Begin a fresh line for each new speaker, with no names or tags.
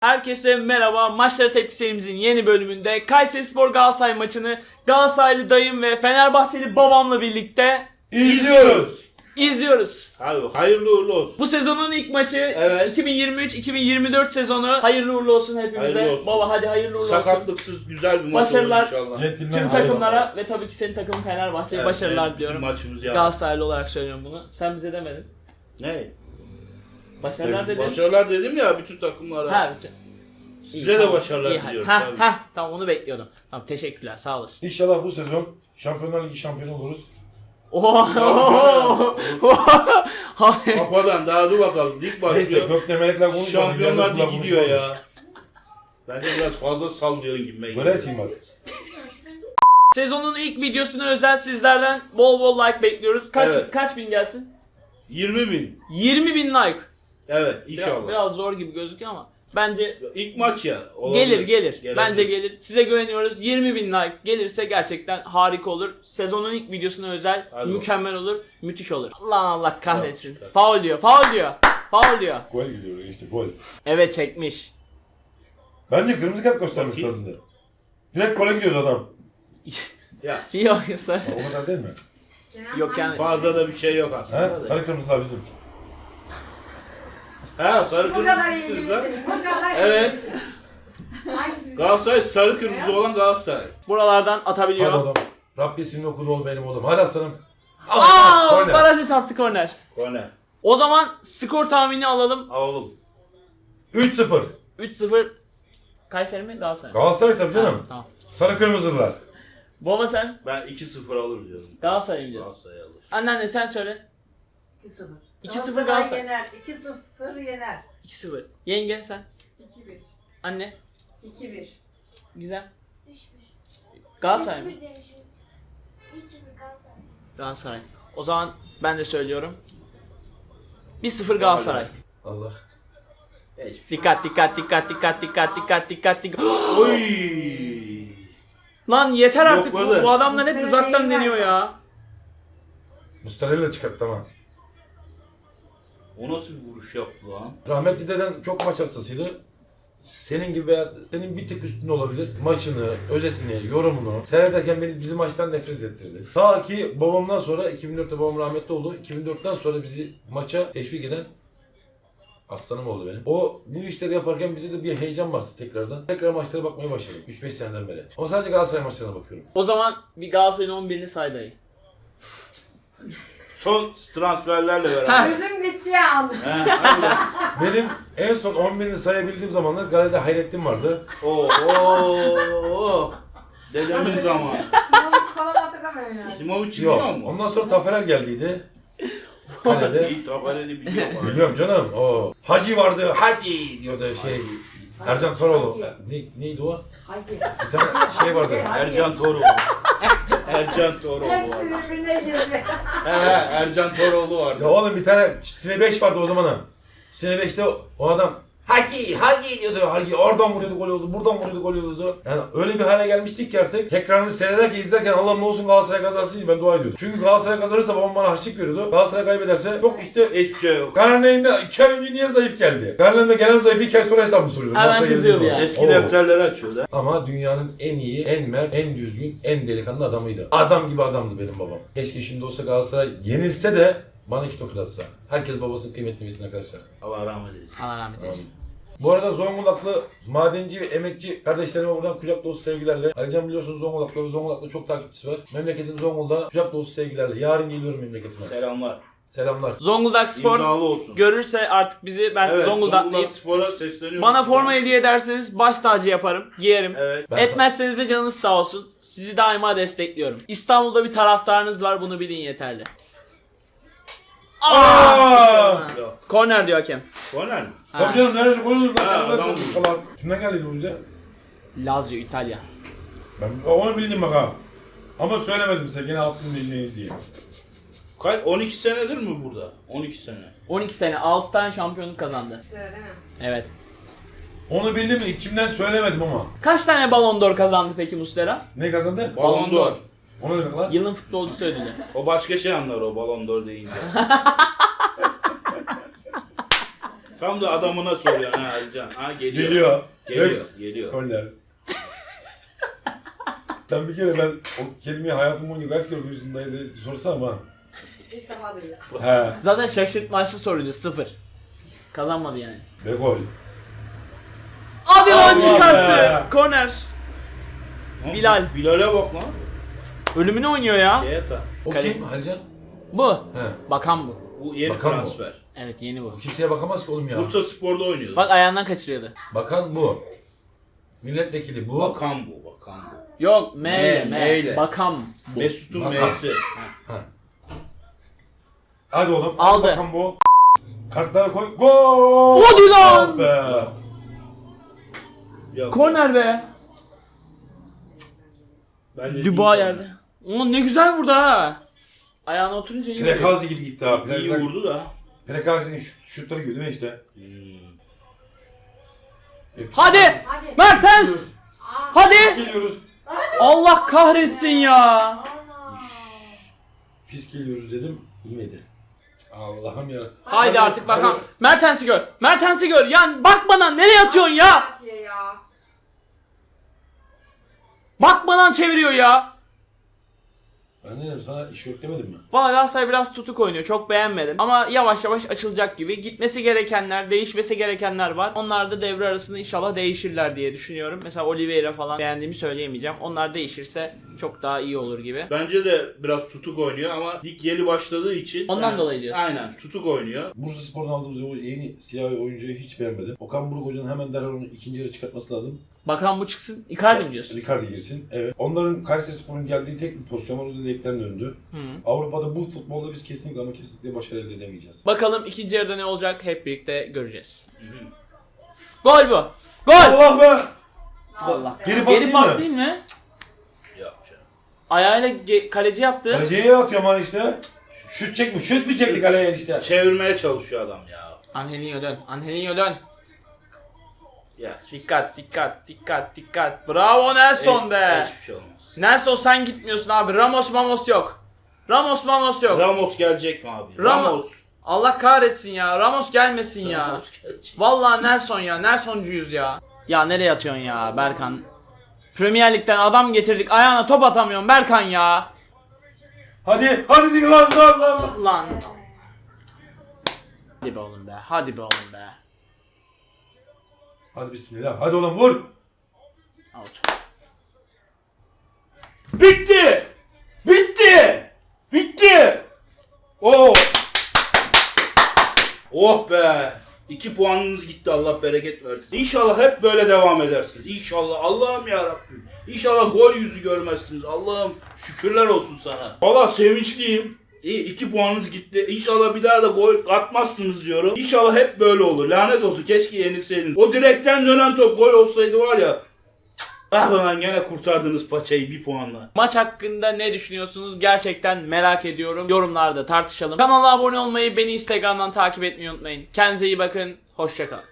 Herkese merhaba. Maçlara tepki serimizin yeni bölümünde Kayserispor Galatasaray maçını Galatasaraylı dayım ve Fenerbahçeli babamla birlikte izliyoruz.
Hayırlı uğurlu olsun.
Bu sezonun ilk maçı,
Evet.
2023-2024 sezonu. Hayırlı uğurlu olsun hepimize.
Hayırlı olsun.
Baba hadi hayırlı uğurlu olsun.
Sakatlıksız güzel bir maç
Başarılar.
olur inşallah.
Tüm takımlara ve tabii ki senin takımın Fenerbahçe'ye başarılar
bizim
diyorum.
maçımız yani.
Galatasaraylı olarak söylüyorum bunu. Sen bize demedin.
Ne?
Başarılar dedin.
Başarılar dedim ya bütün takımlara.
Ha,
Size de başarılar diliyorum. tabii.
Tamam onu bekliyordum. Tamam teşekkürler sağ olasın.
İnşallah bu sezon Şampiyonlar Ligi şampiyonu oluruz.
Kafadan daha dur bakalım. Lig
Neyse
başlıyor.
gökte melekler konuşmadı.
Şampiyonlar Ligi gidiyor ya. Bence biraz fazla sallıyorsun gibi.
Göresin bak.
Sezonun ilk videosuna özel sizlerden bol bol like bekliyoruz.
Evet.
Kaç bin gelsin?
20.000.
20 bin like.
Evet inşallah.
Biraz zor gibi gözüküyor ama bence
İlk maç ya. Olabilir.
gelir.
Gelebilir.
Bence gelir. Size güveniyoruz. 20 bin like gelirse gerçekten harika olur. Sezonun ilk videosuna özel
Hadi
mükemmel olur. Müthiş olur. Allah kahretsin.
Tamam,
Faul diyor.
Gol gidiyor işte gol.
Evet çekmiş.
Bence kırmızı kart göstermesi lazımdı. Direkt gole gidiyordu adam.
Ya
Yok sarı.
O kadar değil mi?
Yok yani.
fazla da bir şey yok aslında.
He? Sarı kırmızılar bizim.
Ha sarı
Bu kadar
kırmızısınız da.
ilgilisin. Bu kadar
Evet.
ilgilisin. Hangisi?
Galatasaray sarı kırmızı olan Galatasaray.
Buralardan
Hadi
atabiliyor.
oğlum. Rabbi ismini okudu ol benim oğlum. Hadi aslanım.
Aaa! Barajı çarptı korner.
Korner.
O zaman skor tahmini alalım.
Alalım.
3-0.
3-0 Kayseri mi Galatasaray?
Galatasaray tabii canım.
Ha, tamam.
Sarı kırmızılar.
Baba sen
Ben 2-0 alır diyorum.
Galatasaray mı diyorsun?
Galatasaray alır.
Anneanne sen söyle.
2-0.
2-0 Galatasaray.
yener. 2-0 yener.
2-0. Yenge sen.
2-1.
Anne.
2-1.
Güzel.
3-1.
Galatasaray mı?
3-1 demişim. 3-1 Galatasaray.
Galatasaray. O zaman ben de söylüyorum. 1-0 Galatasaray.
Allah.
Hiçbir şey.
Dikkat.
Oy!
Lan yeter artık.
Yokladı.
Bu adamlar hep
Muslera
uzaktan
değil
deniyor
galiba.
ya.
Mustarella çıkarttı ama.
O nasıl bir vuruş yaptı lan?
Rahmetli deden çok maç hastasıydı. Senin gibi veya senin bir tık üstünde olabilir. Maçını, özetini, yorumunu seyrederken beni bizim maçtan nefret ettirdi. Ta ki babamdan sonra 2004'te babam rahmetli oldu. 2004'ten sonra bizi maça teşvik eden aslanım oldu benim. O bu işleri yaparken bize de bir heyecan bastı tekrardan. Tekrar maçlara bakmaya başladım 3-5 seneden beri. Ama sadece Galatasaray maçlarına bakıyorum.
O zaman bir Galatasaray'ın 11'ini say dayı.
Son transferlerle beraber.
Gözüm gitti ya.
He, hadi.
Benim en son 11'ini sayabildiğim zamanlar Gale'de Hayrettin vardı.
Oo. Dedemin zamanı.
Simovic falan atakamıyor yani.
Simovic biliyor
Yok.
mu?
Ondan sonra Taferel geldiydi. Kalede.
İyi tabanını biliyor mu?
Biliyorum canım. O Hacı vardı. Hacı diyordu şey. Ercan Toroğlu. Neydi o?
Hadi.
Bir tane şey vardı.
Ercan Toroğlu. Ercan Toroğlu
Hepsi
var.
birbirine girdi.
Ercan Toroğlu vardı.
Ya oğlum bir tane Sine 5 vardı o zaman ha. Sine 5'te o adam Hacı diyordu. Hacı oradan vuruyordu gol oldu. Buradan vuruyordu gol oldu. Yani öyle bir hale gelmiştik ki artık. Tekrarını seyrederken izlerken Allah'ım ne olsun Galatasaray kazansın diye ben dua ediyordum. Çünkü Galatasaray kazanırsa babam bana harçlık veriyordu. Galatasaray kaybederse yok işte
Hiçbir şey yok.
Karneyinde 2 ay önce niye zayıf geldi? Karneyinde gelen zayıfı 2 ay sonra hesabını soruyordu.
Hemen
Galatasaray
kızıyordu
geldiği
yani.
zaman.
Eski
Oo.
defterleri açıyordu.
Ama dünyanın en iyi, en mert, en düzgün, en delikanlı adamıydı. Adam gibi adamdı benim babam. Keşke şimdi olsa Galatasaray yenilse de bana 2 tokat atsa. Herkes babasının kıymetini bilsin arkadaşlar.
Allah rahmet eylesin.
Allah rahmet eylesin.
Bu arada Zonguldaklı madenci ve emekçi kardeşlerime buradan kucak dolusu sevgilerle. Alican biliyorsunuz Zonguldak'ta ve Zonguldak'ta çok takipçisi var. Memleketim Zonguldak'a kucak dolusu sevgilerle. Yarın geliyorum memleketime.
Selamlar.
Selamlar.
Zonguldak Spor
İmzalı olsun.
görürse artık bizi ben
Evet,
Zonguldaklıyım.
Spor'a sesleniyorum.
Bana forma hediye ederseniz baş tacı yaparım, giyerim.
Evet.
Ben
Etmezseniz de canınız sağ olsun. Sizi daima destekliyorum. İstanbul'da bir taraftarınız var, bunu bilin yeterli.
Aa!
Yok.
Korner diyor hakem.
Korner mi?
Tabii canım neresi gol olur?
Ha,
Ben
adam-
falan. Kimden geldiydi bu bize?
Lazio, İtalya.
Ben onu bildim bak ha. Ama söylemedim size gene aklımda dinleyiz diye.
Kaç? 12 senedir mi burada? 12 sene.
12 sene, 6 tane şampiyonluk kazandı.
Sıra değil mi?
Evet.
Onu bildim de içimden söylemedim ama.
Kaç tane Ballon d'Or kazandı peki Muslera?
Ne kazandı?
Ballon d'Or.
O ne demek lan?
Yılın futbolcusu ödülü.
O başka şey anlar o Ballon d'Or deyince. Tam da adamına soruyorsun ha Alican. Ha geliyor.
Geliyor.
Geliyor.
Korner. Sen bir kere ben o kelimeyi hayatım boyunca kaç kere duydum diye sorsam ha.
İlk defa duyuyor.
He.
Zaten şaşırtmaçlı soruydu 0. Kazanmadı yani.
Ve gol.
Abi lan
Allah
çıkarttı.
be.
Korner. Bilal.
Bilal'e bak lan.
Ölümüne oynuyor ya.
Keyata.
O
Kale-
kim Halcan?
Bu.
He.
Bakan bu.
Bu yeni
Bakan bu.
transfer.
Evet yeni bu.
Kimseye bakamaz ki oğlum ya.
Bursa Spor'da oynuyor.
Bak ayağından kaçırıyordu.
Bakan bu. Milletvekili bu.
Bakan bu.
Yok M ile
M ile.
Bakan bu.
Mesut'un
Bakan.
M'si.
Hadi oğlum.
Aldı.
Bakan bu. Kartlara koy. Gol!
Hadi lan!
Oh be.
Yok.
Korner be.
Bence
Duba
iyi
yerde. Ulan ne güzel vurdu ha. Ayağına oturunca iyi vuruyor.
Prekazi gibi gitti abi.
İyi vurdu da.
Prekazi'nin şutları gibi değil mi işte?
Hadi!
Hadi.
Mertens!
Aa.
Hadi!
Geliyoruz.
Allah kahretsin ya.
Pis geliyoruz dedim. İyimedi. Allah'ım ya.
Haydi
Hadi,
artık bakalım.
hadi.
Mertens'i gör. Mertens'i gör. Yani bak bana nereye atıyorsun ya?
Atıyor ya.
Bak bana çeviriyor ya.
Ben ne dedim sana iş yok demedim mi?
Valla Galatasaray biraz tutuk oynuyor. Çok beğenmedim. Ama yavaş yavaş açılacak gibi. Gitmesi gerekenler, değişmesi gerekenler var. Onlar da devre arasında inşallah değişirler diye düşünüyorum. Mesela Oliveira falan beğendiğimi söyleyemeyeceğim. Onlar değişirse çok daha iyi olur gibi.
Bence de biraz tutuk oynuyor ama lig yeni başladığı için.
Ondan dolayı diyorsun.
Aynen tutuk oynuyor.
Bursa Spor'dan aldığımız o yeni siyah oyuncuyu hiç beğenmedim. Okan Buruk Hoca'nın hemen derhal onu ikinci yarı çıkartması lazım.
Bakan bu çıksın. Icardi mi diyorsun?
Ricardi girsin. Evet. Onların Kayseri Spor'un geldiği tek bir pozisyon var. O da direkten döndü. Avrupa'da bu futbolda biz kesinlikle ama kesinlikle başarı elde edemeyeceğiz.
Bakalım ikinci yarıda ne olacak hep birlikte göreceğiz. Gol bu. Gol.
Allah be!
Allah.
Geri pas
Geri
değil
pas
mi?
değil mi?
Yok canım.
Ayağıyla kaleci yaptı.
Kaleciye atıyor ama işte. Şut çekmiş. Şut mu çekti kaleye işte?
Çevirmeye çalışıyor adam ya.
Angelinho dön. Angelinho dön.
Ya
Dikkat dikkat dikkat dikkat. Bravo Nelson be.
hiçbir şey olmaz.
Nelson sen gitmiyorsun abi. Ramos yok. Ramos yok.
Ramos gelecek mi abi?
Ramos. Allah kahretsin ya. Ramos gelmesin ya.
Ramos gelecek.
Vallahi Nelson ya. Nelson'cuyuz ya. Ya nereye atıyorsun ya Berkan? Premier Lig'den adam getirdik. Ayağına top atamıyorsun Berkan ya.
Hadi lan.
Lan. Hadi be oğlum be. Hadi be oğlum be.
Hadi bismillah. Hadi oğlum vur.
Out.
Bitti! Oh! Oh be! 2 puanınız gitti, Allah bereket versin. İnşallah hep böyle devam edersiniz. İnşallah. Allah'ım yarabbim. İnşallah gol yüzü görmezsiniz. Allah'ım şükürler olsun sana. Valla sevinçliyim. 2 puanınız gitti. İnşallah bir daha da gol atmazsınız diyorum. İnşallah hep böyle olur. Lanet olsun, keşke yenilseydiniz. O direkten dönen top gol olsaydı var ya. Ah lan gene kurtardınız paçayı 1 puanla.
Maç hakkında ne düşünüyorsunuz? Gerçekten merak ediyorum. Yorumlarda tartışalım. Kanala abone olmayı, beni Instagram'dan takip etmeyi unutmayın. Kendinize iyi bakın. Hoşça kalın.